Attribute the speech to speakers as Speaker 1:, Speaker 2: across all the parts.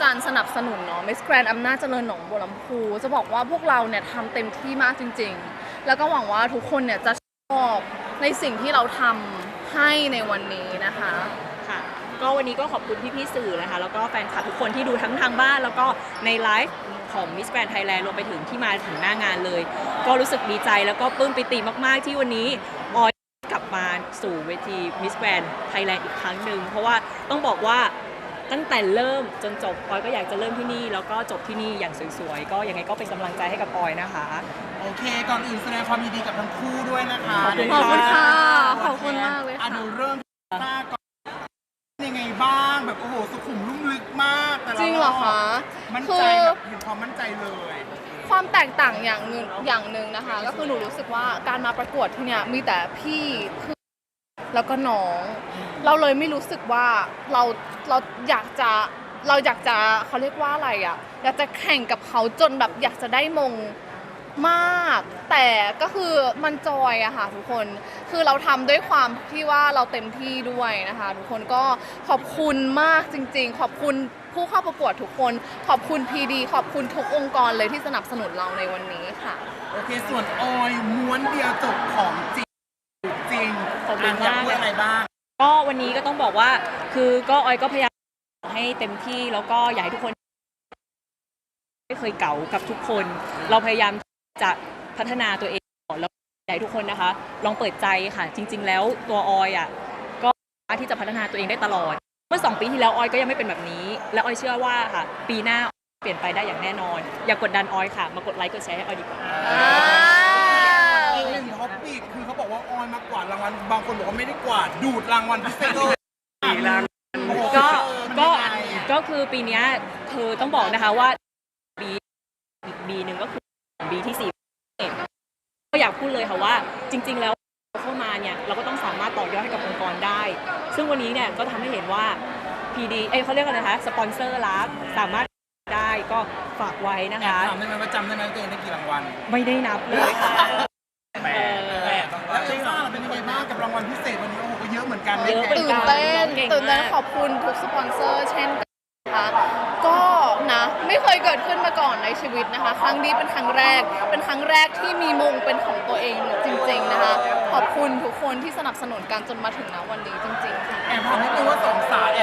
Speaker 1: การสนับสนุนเนาะ Miss Grand อำนาจเจริญหนองบัวลำพูจะบอกว่าพวกเราเนี่ยทำเต็มที่มากจริงๆแล้วก็หวังว่าทุกคนเนี่ยจะชอบในสิ่งที่เราทำให้ในวันนี้นะคะ
Speaker 2: ค่ะก็วันนี้ก็ขอบคุณพี่ๆสื่อนะคะแล้วก็แฟนคลับทุกคนที่ดูทั้งทางบ้านแล้วก็ในไลฟ์ของ Miss Grand Thailand รวมไปถึงที่มาถึงหน้างานเลยก็รู้สึกดีใจแล้วก็ปลื้มปิติมากๆที่วันนี้ออยกลับมาสู่เวที Miss Grand Thailand อีกครั้งหนึ่งเพราะว่าต้องบอกว่าตั้งแต่เริ่มจนจบออยก็อยากจะเริ่มที่นี่แล้วก็จบที่นี่อย่างสวยๆก็ยังไงก็เป็นกำลังใจให้กับออยนะคะ
Speaker 3: โอเคก่อนอื่นแสดงความยินดีกับทั้งคู่ด้วยนะคะ
Speaker 1: ขอบคุณค่ะขอบคุณมากเลยค่ะ
Speaker 3: ดูเริ่มหน้าก่อนยังไงบ้างแบบโอ้โหสุขุมลุ่มลึกมากแต่
Speaker 1: จริงเหรอคะ
Speaker 3: มั่นใจแบบเห็นความมั่นใจเลย
Speaker 1: ความแตกต่างอย่างหนึ่งนะคะก็คือหนูรู้สึกว่าการมาประกวดที่เนี่ยมีแต่พี่เพื่อนแล้วก็น้องเราเลยไม่รู้สึกว่าเราอยากจะเขาเรียกว่าอะไรอ่ะอยากจะแข่งกับเขาจนแบบอยากจะได้มงมากแต่ก็คือมันจอยอะค่ะทุกคนคือเราทำด้วยความที่ว่าเราเต็มที่ด้วยนะคะทุกคนก็ขอบคุณมากจริงๆขอบคุณผู้เข้าประกวดทุกคนขอบคุณพีดีขอบคุณทุกองค์กรเลยที่สนับสนุนเราในวันนี้ค่ะ
Speaker 3: โอเคส่วนออยม้วนเดียวจบของจริง
Speaker 2: ขอบคุณมาก
Speaker 3: อะไรบ้าง
Speaker 2: ก็วันนี้ก็ต้องบอกว่าคือก็ออยก็พยายามให้เต็มที่แล้วก็อยากให้ทุกคนไม่เคยเก่ากับทุกคนเราพยายามจะพัฒนาตัวเองแล้วอยากให้ทุกคนนะคะลองเปิดใจค่ะจริงๆแล้วตัวออยอ่ะก็สามารถที่จะพัฒนาตัวเองได้ตลอดเมื่อ2 ปีที่แล้วออยก็ยังไม่เป็นแบบนี้และออยเชื่อว่าค่ะปีหน้าเปลี่ยนไปได้อย่างแน่นอนอย่ากดดันออยค่ะมากดไลค์กดแชร์ให้ออยดีกว่า
Speaker 3: อีกหนึ่งท็อปปิกคือเขาบอกว่าออยมากวาดรางวัลบางคนบอกว่าไม่ได้กวาดดูดรางวัลพิเศษ
Speaker 2: ก็คือปีนี้คือต้องบอกนะคะว่าอีกบีหนึ่งก็คือบีที่4ก็อยากพูดเลยค่ะว่าจริงๆแล้วเข้ามาเนี่ยเราก็ต้องสามารถต่อยอดให้กับองค์กรได้ซึ่งวันนี้เนี่ยก็ทำให้เห็นว่า PD เขาเรียกอะไรนะคะสปอนเซอร์รักสามารถได้ก็ฝากไว้นะคะ
Speaker 3: ถามได้ไหมว่าจำได้ไหมตัวเองได้กี่รางวัล
Speaker 2: ไม่ได้นับเลยค่ะ
Speaker 3: แล้วจริงเหรอเป็นยังไงบ้างกับรางวัลพิเศษวันนี้โอ้โหก็เยอะเหมือนกัน
Speaker 1: ตื่นเต้นขอบคุณทุกสปอนเซอร์เช่นนะคะก็นะไม่เคยเกิดขึ้นมาก่อนในชีวิตนะคะครั้งนี้เป็นครั้งแรกที่มีมงเป็นของตัวเองจริงๆนะคะขอบคุณทุกคนที่สนับสนุนกันจนมาถึงณวันนี้จริงๆค่ะ
Speaker 3: แอบถามนิดนึงว่าสองสาว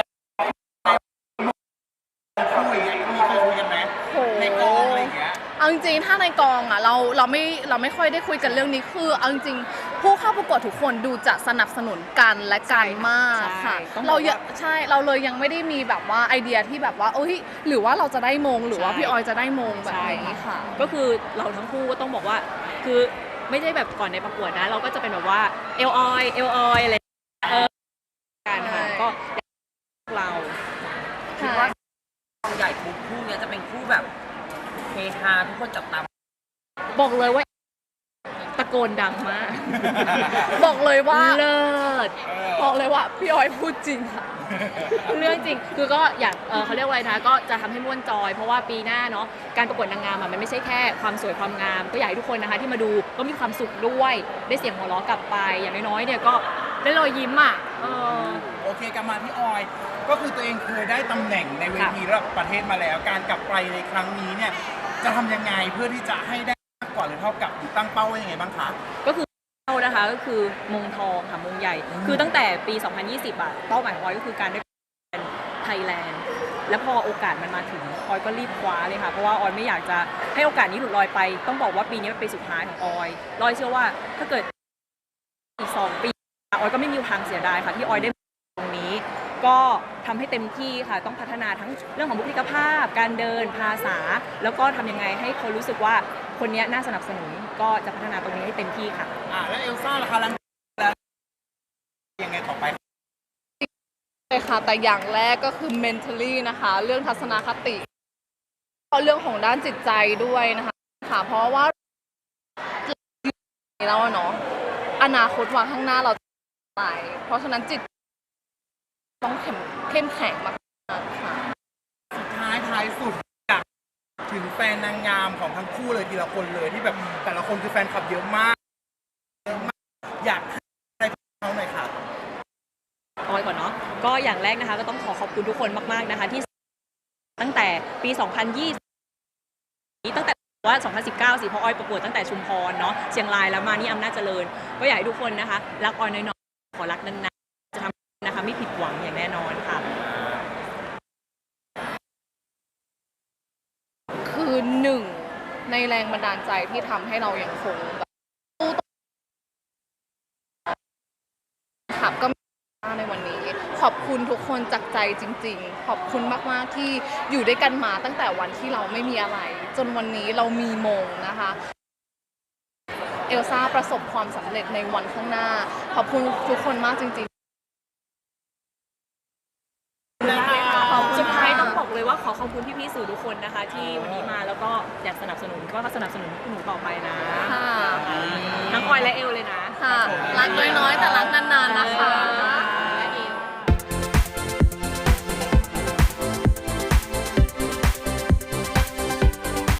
Speaker 3: มีเคยคุยกันไหมในกองอะไรอย่างเงี้ย
Speaker 1: เอาจริงๆถ้าในกองอ่ะเราไม่ค่อยได้คุยกันเรื่องนี้คือเอาจริงๆผู้เข้าประกวดทุกคนดูจะสนับสนุนกันและกันมากค่ะเราเลยยังไม่ได้มีแบบว่าไอเดียที่แบบว่าหรือว่าเราจะได้มงหรือว่าพี่ออยจะได้มงแบบนี้ค่ะ
Speaker 2: ก็คือเราทั้งคู่ก็ต้องบอกว่าคือไม่ใช่แบบก่อนในประกวดนะเราก็จะเป็นแบบว่าเอลออยอะไรกันค่ะก็เรา
Speaker 4: คิดว่าใหญ่คู่นี้จะเป็นคู่แบบเฮฮาทุกคนจับตาม
Speaker 2: บอกเลยว่าตะโกนดังมาก
Speaker 1: บอกเลยว่า
Speaker 2: เลิศ
Speaker 1: บอกเลยว่าพี่ออยพูดจริงค่ะ
Speaker 2: เรื่องจริงคือก็อยากเขาเรียกว่าอะไรนะก็จะทำให้ม่วนจอยเพราะว่าปีหน้าเนาะการประกวดนางงามมันไม่ใช่แค่ความสวยความงามก็อยากให้ทุกคนนะคะที่มาดูก็มีความสุขด้วยได้เสียงหัวเราะกลับไปอย่างน้อยๆเนี่ยก็ได้รอยยิ้มอ่ะ
Speaker 3: โอเคกลับมาที่ออยก็คือตัวเองเคยได้ตำแหน่งในเวทีระดับประเทศมาแล้วการกลับไปในครั้งนี้เนี่ยจะทำยังไงเพื่อที่จะให้ได้มากกว่าหรือเท่ากับตั้งเป้าไว้ยังไงบ้างคะ
Speaker 2: ก็คือนะคะก็คือมงทองค่ะมงใหญ่คือตั้งแต่ปี 2020อ่ะเป้าหมายของออยก็คือการได้เป็นไทยแลนด์แล้วพอโอกาสมันมาถึงออยก็รีบคว้าเลยค่ะเพราะว่าออยไม่อยากจะให้โอกาสนี้หลุดลอยไปต้องบอกว่าปีนี้เป็นปีสุดท้ายของออยเชื่อว่าถ้าเกิดอีก2 ปีออยก็ไม่มีทางเสียดายค่ะที่ออยได้ตรงนี้ก็ทำให้เต็มที่ค่ะต้องพัฒนาทั้งเรื่องของบุคลิกภาพการเดินภาษาแล้วก็ทำยังไงให้คนรู้สึกว่าคนนี้น่าสนับสนุนก็จะพัฒนาตรงนี้ให้เต็มที่ค่ะ
Speaker 3: แล้วเอลซ่าล่ะคะแล้วยังไงต่อไป
Speaker 1: เลยค่ะแต่อย่างแรกก็คือ mentally นะคะเรื่องทัศนคติเรื่องของด้านจิตใจด้วยนะคะค่ะเพราะว่าแล้วเนาะอนาคตวางข้างหน้าเราไปเพราะฉะนั้นจิตต้องเข้มแข็งมากค่ะ
Speaker 3: สุดท้ายสุดอยากถึงแฟนนางงามของทั้งคู่เลยทีละคนเลยที่แบบแต่ละคนคือแฟนคลับเยอะมากอยากให้อะไรเขาหน่อยค่ะ
Speaker 2: ออยก่อนเนาะก็อย่างแรกนะคะก็ต้องขอบคุณทุกคนมากๆนะคะที่ตั้งแต่ปี 2020 ตั้งแต่ว่า 2019 สิเพราะออยประกวดตั้งแต่ชุมพรเนาะเชียงรายแล้วมานี่อำนาจเจริญก็อยากให้ทุกคนนะคะรักออยน้อยๆขอรักนานๆจะทำนะคะไม่ผิดหวังอย่างแน่นอนค่ะ
Speaker 1: คือหนึ่งในแรงบันดาลใจที่ทำให้เรายังคงแบบสู้ต่อครับก็ในวันนี้ขอบคุณทุกคนจากใจจริงๆ ขอบคุณมากๆที่อยู่ด้วยกันมาตั้งแต่วันที่เราไม่มีอะไร จนวันนี้เรามีมงนะคะเอลซ่าประสบความสำเร็จในวันข้างหน้า ขอบคุณทุกคนมากจริงๆ
Speaker 2: สุดท้ายต้องบอกเลยว่าขอขอบคุณพี่ๆสื่อทุกคนนะคะ ที่วันนี้มาแล้วก็อยากสนับสนุนก็สนับสนุนหนูต่อไปนะ
Speaker 1: ค่ะ
Speaker 2: ทั้งออยและเอลเลยนะ
Speaker 1: ค่ะรักน้อยๆแต่รักนานๆนะคะ